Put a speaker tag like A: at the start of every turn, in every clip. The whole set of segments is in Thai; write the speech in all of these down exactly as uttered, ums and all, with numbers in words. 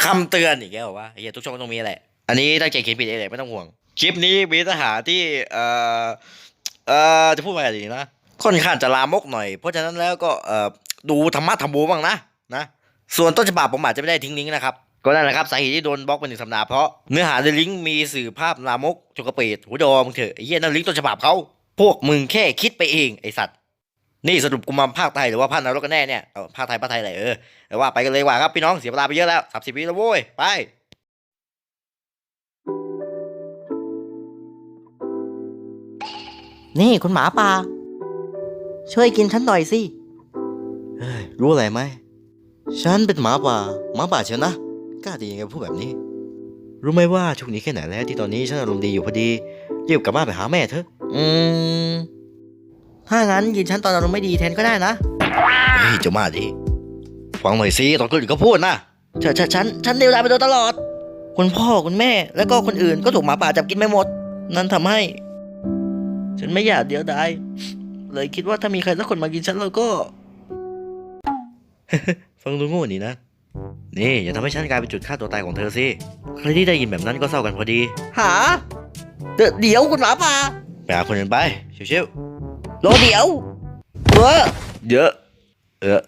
A: คำเตือนอีกแล้ววะเฮียทุกช่องต้องมีแหละอันนี้ตั้งใจเขียนผิดเองแหละไม่ต้องห่วงคลิปนี้มีเนื้อหาที่เอ่อเอ่อจะพูดว่าอะไรดีนะค่อนข้างจะลามกหน่อยเพราะฉะนั้นแล้วก็เอ่อดูธรรมะธรรมโมบ้างนะนะส่วนต้นฉบับผมอาจจะไม่ได้ทิ้งลิงก์นะครับก็นั่นแหละครับสาเหตุที่โดนบล็อกเป็นหนึ่งสัปดาห์เพราะเนื้อหาในลิงก์มีสื่อภาพลามกจกกระเปดหัวดอมึงเถอะไอ้เหี้ยนั่นลิงก์ต้นฉบับเขาพวกมึงแค่คิดไปเองไอสัตว์นี่สรุปกูมาภาคไทยหรือว่าภาคนรกกันแน่เนี่ยเอาภาคไทยภาคไทยไหนเออแต่ว่าไปกันเลยว่าครับพี่น้องเสียเวลาไปเยอะแล้วสามสิบวิแล้วโว้ยไป
B: นี่คุณหมาป่าช่วยกินฉันหน่อยสิ
A: เฮ้ยรู้อะไรไหมฉันเป็นหมาป่าหมาป่าเชียวนะกล้าดียังไงพูดแบบนี้รู้ไหมว่าช่วงนี้แค่ไหนแล้วที่ตอนนี้ฉันอารมณ์ดีอยู่พอดีรีบกลับบ้านไปหาแม่เถอะ
B: อืมถ้างั้นกินฉันตอนอารมณ์ไม่ดีแทนก็ได้นะ
A: เฮ้ยเจ้ามาดิฟังหน่อยสิตอนคนอื่นเขาพูดนะ
B: ฉันฉันฉันฉันเดียวดายไปโดยตลอดคุณพ่อคุณแม่แล้วก็คนอื่นก็ถูกหมาป่าจับกินไปหมดนั่นทำให้ฉันไม่อยากเดียวดายเลยคิดว่าถ้ามีใครสักคนมากินฉันแล้วก็
A: ฟังดูโง่นี่นะนี่อย่าทำให้ฉันกลายเป็นจุดฆ่าตัวตายของเธอสิใครที่ได้ยินแบบนั้นก็เศร้ากันพอดี
B: หาเดี๋ยวเดี๋ยวคุณหมาป่า
A: ไปหาคนอื่นไปชิว
B: รอเดี๋ยวเออ
A: ๆเยอะเออ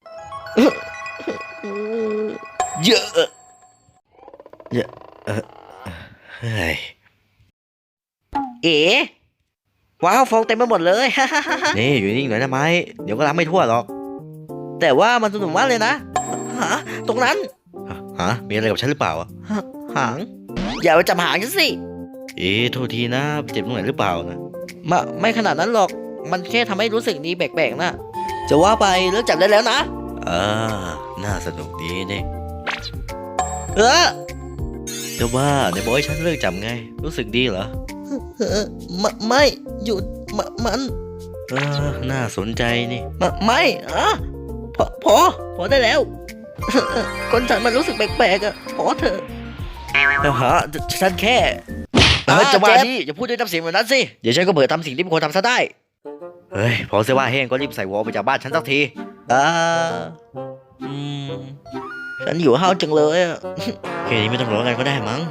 A: เยอะเยอะเออเฮ้ย
B: เอ๋ว้าวฟองเต็มไปหมดเลย
A: นี่อยู่นิ่งหน่อยนะไม้เดี๋ยวก็รับไม่ทั่วหรอก
B: แต่ว่ามันสนุกมากเลยนะหาตรงนั้น
A: ฮะมีอะไรกับฉันหรือเปล่าอ่ะ
B: หางอย่าไปจับหางฉันสิ
A: เอ๊ะโทษทีนะเจ็บตรงไหนหรือเปล่านะ
B: มาไม่ขนาดนั้นหรอกมันแค่ทำให้รู้สึกดีแปลกๆนะจะว่าไปเลิกจับได้แล้วนะ
A: อ่าน่าสนุกดีนี่
B: เออ
A: แต่ว่าในบอกให้ฉันเลิกจับไงรู้สึกดีเหรอ
B: เออไม่ไม่หยุดมมัน
A: เออน่าสนใจนี่
B: มไม่อะพอพอพอได้แล้วคนฉันมันรู้สึกแปลกๆอ่ะพอเถอะ
A: แล้วฮะฉันแค่เฮ้ยจะว่าดิอย่าพูดด้วยน้ำเสียงแบบนั้นสิเดี๋ยวฉันก็เบื่อทำสิ่งที่ไม่ควรทำซะได้เฮ้ยพอเสื้อว่าแห้งก็รีบใส่วอลไปจากบ้านฉันสักที
B: อ่าอืมฉันอยู่ห้าวจังเลยอ่ะ
A: แค่นี้ไม่ต้องร้องกันก็ได้มั้ง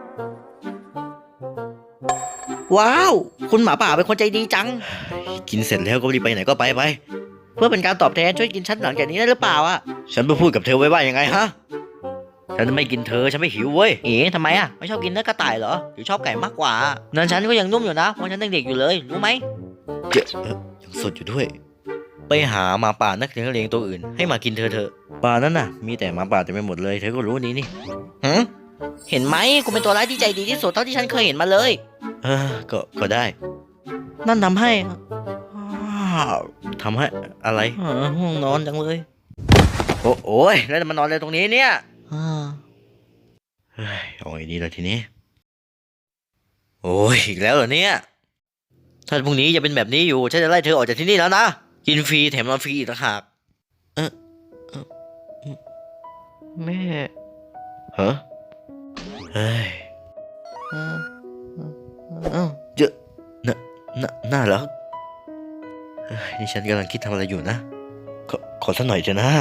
B: ว้าวคุณหมาป่าเป็นคนใจดีจัง
A: กินเสร็จแล้วก็รีบไปไหนก็ไปไป
B: เพื่อเป็นการตอบแทนช่วยกินฉันหลังจากนี้ได้หรือเปล่าอ่ะ
A: ฉันไปพูดกับเธอไว้ว่ายังไงฮะฉันไม่กินเธอฉันไม่หิวเว้ย
B: เอ๋ทำไมอ่ะไม่ชอบกินเนื้อกระต่ายเหรอหรือชอบไก่มากกว่านั่นฉันก็ยังนุ่มอยู่นะเพราะฉันยังเด็กอยู่เลยรู้ไหม
A: เจ๊ยังสดอยู่ด้วยไปหาหมาป่านักเลี้ยงเลี้ยงตัวอื่นให้มากินเธอเถอะป่านั้นน่ะมีแต่หมาป่าเต็มไปหมดเลยเธอก็รู้นี้นี่
B: หืมเห็นไหมกูเป็นตัวร้ายที่ใจดีที่สุดเท่าที่ฉันเคยเห็นมาเลย
A: เออก็ก็ได้
B: นั่นทำให้
A: ทำให้อะไร
B: ห้องนอนจังเลย
A: โอ้โอ้ยแล้วมานอนอะไรตรงนี้เนี่ย
B: เฮ้
A: ยเอาไงดีล่ะทีนี้โอ้ยอีกแล้วเหรอเนี่ยถ้าพรุ่งนี้จะเป็นแบบนี้อยู่ฉันจะไล่เธอออกจากที่นี่แล้วนะกินฟรีแถมนอนฟรีอีกต่างหาก
B: เออแม่
A: ฮะเฮ้ยเยอะน่าน่าน่ารักนี่ฉันกำลังคิดทำอะไรอยู่นะขอขอสักหน่อยเถอะนะ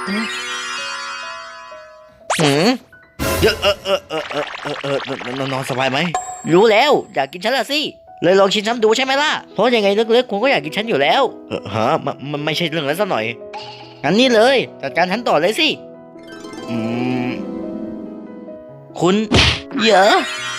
B: หืม
A: เยอะเออเออเออเออเออเออนอนสบายไหม
B: รู้แล้วอยากกินฉันละสิเลยลองชิมฉันดูใช่ไหมล่ะเพราะยังไงลึกๆคุณก็อยากกินฉันอยู่แล้ว
A: เออฮะมันมันไม่ใช่เรื่องนั้นสักหน่อย
B: งั้นนี่เลยจัดการฉันต่อเลยสิ
A: อืม
B: คุณเยอะ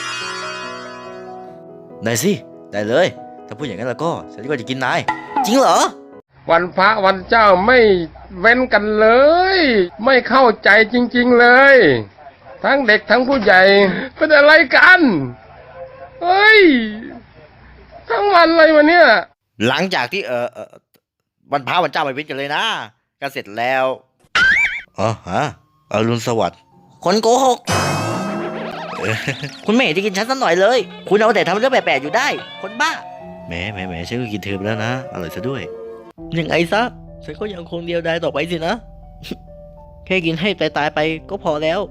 A: ได้สิได้เลยถ้าพูดอย่างนั้นแล้วก็ฉันก็จะกินนาย
B: จริงเหรอ
C: วันพระวันเจ้าไม่เว้นกันเลยไม่เข้าใจจริงๆเลยทั้งเด็กทั้งผู้ใหญ่เป็นอะไรกันเฮ้ยทั้งวันเลยวันเนี้ย
A: หลังจากที่เออเออวันพระวันเจ้าไม่เว้นกันเลยนะก็เสร็จแล้วอ๋อฮะอรุณสวัสดิ์
B: คนโกหกคุณไม่เห็นจะกินฉันสักหน่อยเลยคุณเอาแต่ทำเรื่องแปลกๆอยู่ได้คนบ้า
A: แหมแหมแหมฉันก็กินเธอไปแล้วนะอร่อยซะด้วย
B: ยังไงซะฉันก็ยังคงเดียวดายต่อไปสินะแค่กินให้ตายๆไปก็พอแล้ว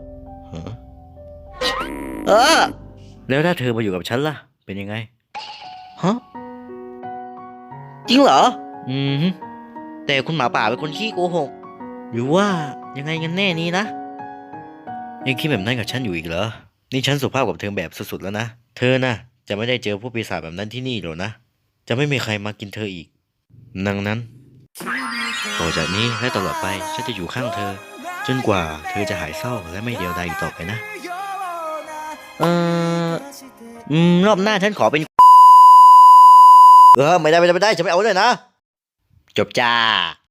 B: เออ
A: แล้วถ้าเธอมาอยู่กับฉันล่ะเป็นยังไง
B: ฮะจริงเหรอ
A: อืม
B: แต่คุณหมาป่าเป็นคนขี้โกหกหรือว่ายังไงกันแน่นี้นะ
A: ยังคิดแบบนั้นกับฉันอยู่อีกเหรอ นี่ฉันสุภาพกับเธอแบบสุดๆแล้วนะ เธอนะจะไม่ได้เจอผู้ปีศาจแบบนั้นที่นี่หรอกนะ จะไม่มีใครมากินเธออีกดังนั้น ต่อจากนี้และตลอดไปฉันจะอยู่ข้างเธอ จนกว่าเธอจะหายเศร้าและไม่เดียวดายอีกต่อไปนะ
B: เอออืมรอบหน้าฉันขอเป็น
A: เออไม่ได้ไม่ได้ไม่ได้ฉันไม่เอาด้วยนะ จบจ้า